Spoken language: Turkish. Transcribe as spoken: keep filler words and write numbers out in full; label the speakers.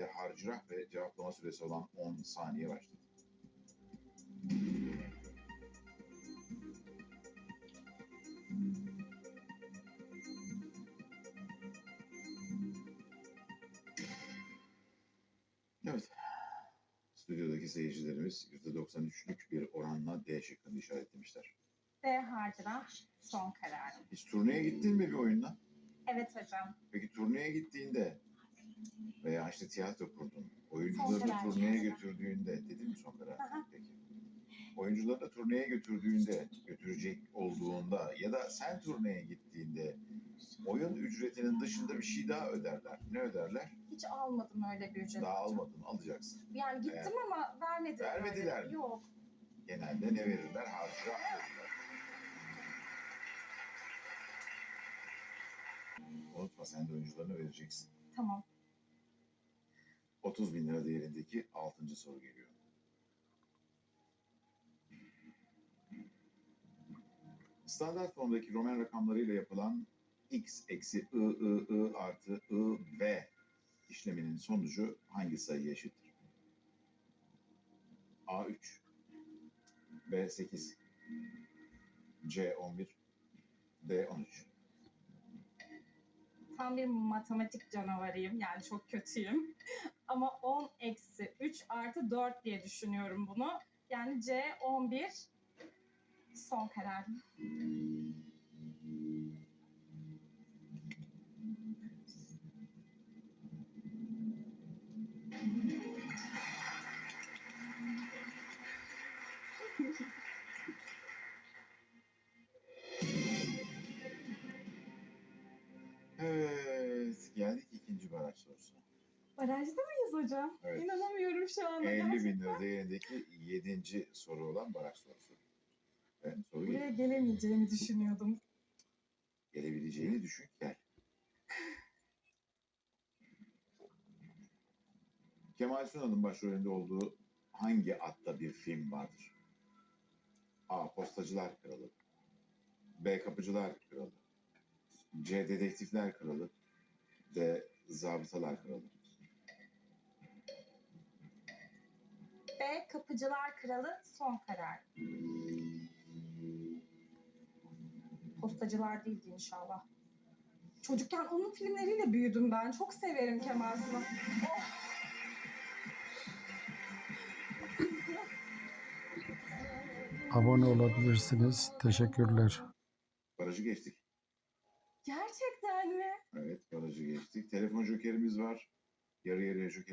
Speaker 1: harcırah ve cevaplama süresi olan on saniye başladı. Evet. Stüdyodaki seyircilerimiz yüzde doksan üçlük bir oranla D şıkkını işaretlemişler.
Speaker 2: D harcına son kararım.
Speaker 1: Hiç turneye gittin mi bir oyunla?
Speaker 2: Evet hocam.
Speaker 1: Peki turneye gittiğinde veya işte tiyatro kurdun,
Speaker 2: Son
Speaker 1: oyuncuları
Speaker 2: karar
Speaker 1: turneye
Speaker 2: yani.
Speaker 1: götürdüğünde, dedin mi son karar?
Speaker 2: Aha.
Speaker 1: Peki. Oyuncuları da turneye götürdüğünde, götürecek olduğunda ya da sen turneye gittiğinde oyun ücretinin dışında bir şey daha öderler. Ne öderler?
Speaker 2: Hiç almadım öyle bir ücret
Speaker 1: Daha
Speaker 2: hocam.
Speaker 1: almadın, alacaksın.
Speaker 2: Yani gittim
Speaker 1: Evet.
Speaker 2: ama vermediler.
Speaker 1: Vermediler
Speaker 2: öyle.
Speaker 1: mi?
Speaker 2: Yok.
Speaker 1: Genelde ne verirler? Harcırah verirler. Unutma, sen de oyuncularına vereceksin.
Speaker 2: Tamam.
Speaker 1: otuz bin lira değerindeki altıncı soru geliyor. Standart formdaki Roman rakamlarıyla yapılan x eksi i, i, i artı i, v işleminin sonucu hangi sayıya eşittir? A üç, B sekiz, C on bir, D on üç.
Speaker 2: Tam bir matematik canavarıyım. Yani çok kötüyüm. Ama on eksi üç artı dört diye düşünüyorum bunu. Yani C on bir son kararım.
Speaker 1: Evet, geldik ikinci baraj sorusuna.
Speaker 2: Barajda mıyız hocam?
Speaker 1: Evet.
Speaker 2: İnanamıyorum şu anda.
Speaker 1: elli bin
Speaker 2: Gerçekten.
Speaker 1: lira değerindeki yedinci soru olan baraj sorusu. Evet, soru
Speaker 2: Buraya
Speaker 1: geliyor.
Speaker 2: gelemeyeceğimi düşünüyordum.
Speaker 1: Gelebileceğini düşün, gel. Kemal Sunal'ın başrolünde olduğu hangi adda bir film vardır? A. Postacılar Kralı, B. Kapıcılar Kralı, C. Dedektifler Kralı, D. Zabıtalar Kralı.
Speaker 2: B. Kapıcılar Kralı son karar. Postacılar değildi inşallah. Çocukken onun filmleriyle büyüdüm ben. Çok severim Kemal Sunal. Oh!
Speaker 3: Abone olabilirsiniz. Teşekkürler.
Speaker 1: Barajı geçtik.
Speaker 2: Gerçekten mi?
Speaker 1: Evet, barajı geçtik. Telefon jokerimiz var. Yarı yarıya joker